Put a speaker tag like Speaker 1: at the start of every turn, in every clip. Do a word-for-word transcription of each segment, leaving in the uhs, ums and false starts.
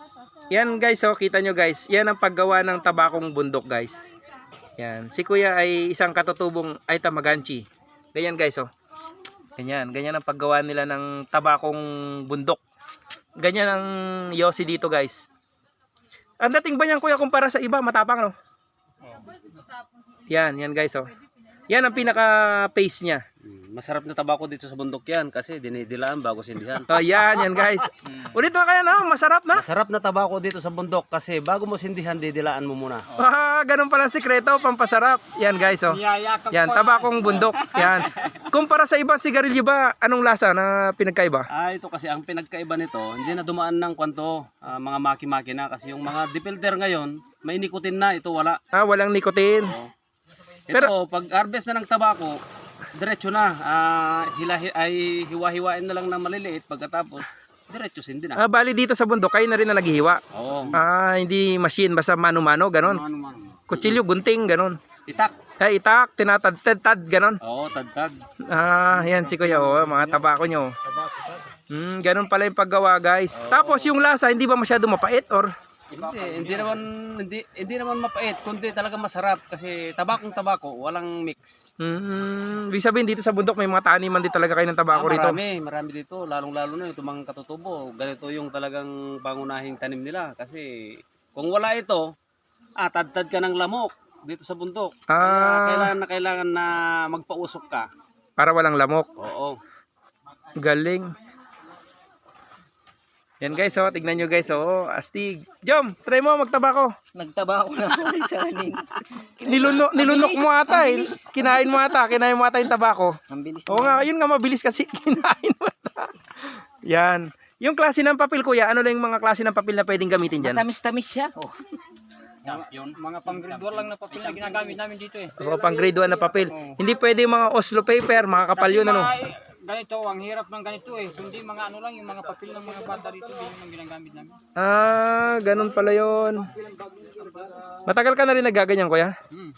Speaker 1: Yan guys, oh, kita nyo guys. Yan ang paggawa ng tabakong bundok guys. Yan. Si kuya ay isang katutubong ay tamaganchi. Ganyan guys, oh. Ganyan. Ganyan ang paggawa nila ng tabakong bundok. Ganyan ang yosi dito guys. Ang dating ba niyan kuya kumpara sa iba? Matapang, no? Yan, yan guys, oh. Yan ang pinaka-pace niya.
Speaker 2: Masarap na tabako dito sa bundok yan kasi dinidilaan bago sindihan.
Speaker 1: Oh, yan, yan guys. Ulit na kaya na, masarap na.
Speaker 2: Masarap na tabako dito sa bundok kasi bago mo sindihan, didilaan mo muna.
Speaker 1: Ah, ganun pala ang sikreto, pampasarap. Yan guys, oh. Yan, tabakong bundok. Yan. Kumpara sa ibang sigarilyo ba, anong lasa na pinagkaiba?
Speaker 2: Ah, ito kasi ang pinagkaiba nito, hindi na dumaan ng kwanto, ah, mga maki-maki na kasi yung mga dipilter ngayon, may nikotin na, ito wala.
Speaker 1: Ah, walang nicotine.
Speaker 2: Oo. Ito,
Speaker 1: Pero-
Speaker 2: pag harvest na ng tabako, diretso na, ah, hilahi, ay hiwa-hiwain na lang ng maliliit pagkatapos, diretso sindi na.
Speaker 1: Ah, bali dito sa bundok, kayo na rin na naghihiwa.
Speaker 2: Oo.
Speaker 1: Ah, hindi machine, basta mano-mano, ganon.
Speaker 2: Ano, ano, ano.
Speaker 1: Kutsilyo, gunting, ganon.
Speaker 2: Itak.
Speaker 1: Ay, itak, tinatad-tad, ganon.
Speaker 2: Oo, tad-tad.
Speaker 1: Ah, yan si kuya, oh, mga tabako nyo. Hmm, ganon pala yung paggawa guys. Tapos yung lasa, hindi ba masyado mapait or?
Speaker 2: Hindi, hindi naman hindi hindi naman mapait, kundi talaga masarap kasi tabakong tabako, walang mix.
Speaker 1: Hmm, ibig sabihin dito sa bundok may mga taniman din talaga kayo ng
Speaker 2: Ah,
Speaker 1: tabako rito.
Speaker 2: marami, marami dito, lalong-lalo na itong mga katutubo. Ganito yung talagang pangunahing tanim nila kasi kung wala ito, ah, tad-tad ka ng lamok dito sa bundok. Kaya
Speaker 1: Ah,
Speaker 2: kailangan na kailangan na magpausok ka.
Speaker 1: para walang lamok.
Speaker 2: Oo.
Speaker 1: Galing. Yan guys, oh, tignan nyo guys, oh, astig. Jom, try mo magtabako.
Speaker 3: Nagtaba ako na po sa kanin.
Speaker 1: Nilunok, nilunok mo ata eh. Kinain mo ata, kinain mo ata yung tabako.
Speaker 3: Ang bilis.
Speaker 1: Oo nga, yun nga mabilis kasi kinain mo ata. Yan. Yung klase ng papel kuya, ano lang yung mga klase ng papel na pwedeng gamitin dyan?
Speaker 3: Matamis-tamis siya. Oh.
Speaker 2: Champion.
Speaker 4: Mga pang grade one lang na papel na ginagamit namin dito eh.
Speaker 1: O pang grade one na papel. Hindi pwede yung mga Oslo paper, mga kapal yun ano.
Speaker 4: Kasi mga, ganito, ang hirap ng ganito eh. Kundi mga ano lang, yung mga papel ng mga bata dito, hindi yung ginagamit namin.
Speaker 1: Ah, ganun pala yun. Matagal ka na rin nagaganyan kuya?
Speaker 4: Hmm.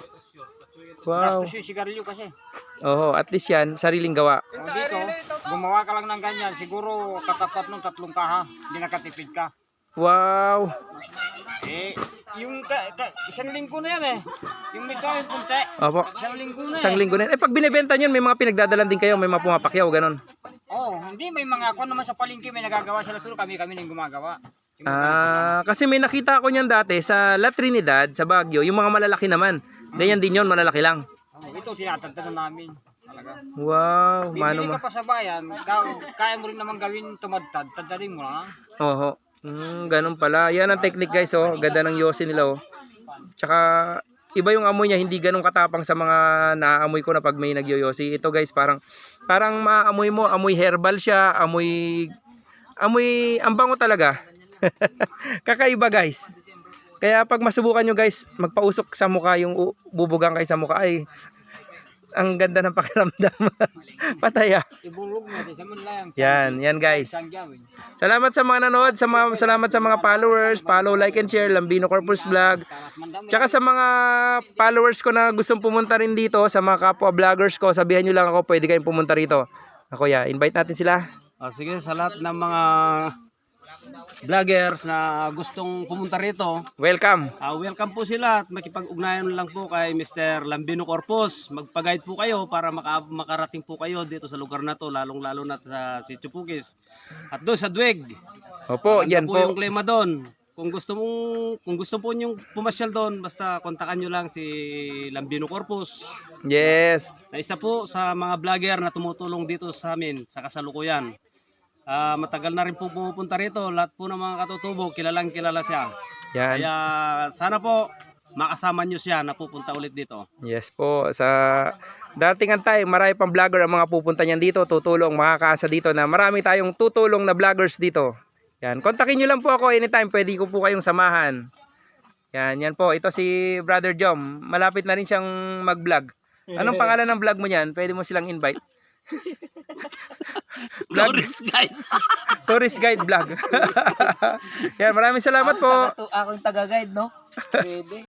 Speaker 1: Wow.
Speaker 4: Gastos yung sigarilyo kasi.
Speaker 1: Oo, at least yan, sariling gawa.
Speaker 4: O dito, gumawa ka lang ng ganyan, siguro katapat ng tatlong kaha, hindi nakatipid ka.
Speaker 1: Wow.
Speaker 4: Eh, yung ka, ka, isang linggo na yan eh. Yung may kawin punte,
Speaker 1: Opo.
Speaker 4: isang linggo na
Speaker 1: Isang
Speaker 4: eh.
Speaker 1: linggo na yun. Eh, pag binibenta nyo, may mga pinagdadalan din kayo, may mga pumapakyaw, ganun.
Speaker 4: Oh, hindi may mga ako naman sa palengke may nagagawa sila pero kami kami nang gumagawa. Yung mga
Speaker 1: Ah, kasi may nakita ko niyan dati sa La Trinidad, sa Baguio, yung mga malalaki naman. Ganyan din yun, malalaki lang.
Speaker 4: ganito. Oh, ito tinatagtagan namin. Talaga.
Speaker 1: Wow, mano
Speaker 4: Bibili
Speaker 1: ma.
Speaker 4: ka pa sa bayan, ka- kaya mo rin naman gawin tumadtad, tadalin mo lang.
Speaker 1: Oho. Mm, ganun pala. Yan ang technique guys, oh. Ganda ng yosi nila, oh. Tsaka iba yung amoy niya, hindi ganun katapang sa mga naamoy ko na pag may nagyoyosi. Ito guys, parang parang maamoy mo, amoy herbal siya, amoy amoy ang bango talaga. Kakaiba guys. Kaya pag masubukan nyo guys, magpausok sa mukha yung u- bubugang kayo sa mukha ay ang ganda ng pakiramdam. Pataya.
Speaker 4: Ibulog mo din sa lang.
Speaker 1: Yan, yan guys.
Speaker 4: Isang gawin.
Speaker 1: Salamat sa mga nanood, sa mga, salamat sa mga followers, follow, like and share, Lambino Corpus Vlog. Tsaka sa mga followers ko na gustong pumunta rin dito, sa mga kapwa vloggers ko, sabihan nyo lang ako, pwede kayong pumunta rito. Ako ya, invite natin sila.
Speaker 2: Ah, sige, sa lahat ng mga vloggers na gustong pumunta rito,
Speaker 1: Welcome.
Speaker 2: ah, welcome po sila at makipag-ugnayan lang po kay Mister Lambino Corpus. Magpa-guide po kayo para maka makarating po kayo dito sa lugar na to, lalong-lalo na sa Sitio Pugis. At doon sa Duweg,
Speaker 1: Opo,
Speaker 2: ganda
Speaker 1: yan
Speaker 2: po yung
Speaker 1: po.
Speaker 2: klima doon. Kung gusto mo kung gusto po niyo pumasyal doon, basta kontakan niyo lang si Lambino Corpus.
Speaker 1: Yes.
Speaker 2: Na isa po sa mga vlogger na tumutulong dito sa amin sa kasalukuyan. Ah, matagal na rin po pumupunta rito. Lahat po ng mga katutubo, kilalang kilala siya.
Speaker 1: Yan.
Speaker 2: Kaya sana po makasama niyo siya na pupunta ulit dito.
Speaker 1: Yes po. Sa dating ang time, marami pang vlogger ang mga pupunta niyan dito, tutulong, makakaasa dito na marami tayong tutulong na vloggers dito. Yan. Kontakin nyo lang po ako anytime. Pwede ko po kayong samahan. Yan. Yan po. Ito si Brother Jom. Malapit na rin siyang mag-vlog. Anong pangalan ng vlog mo niyan? Pwede mo silang invite. Vlog?
Speaker 3: Tourist guide.
Speaker 1: Tourist guide vlog. Yan. Maraming salamat po.
Speaker 3: Ako yung taga-guide, no? Pwede.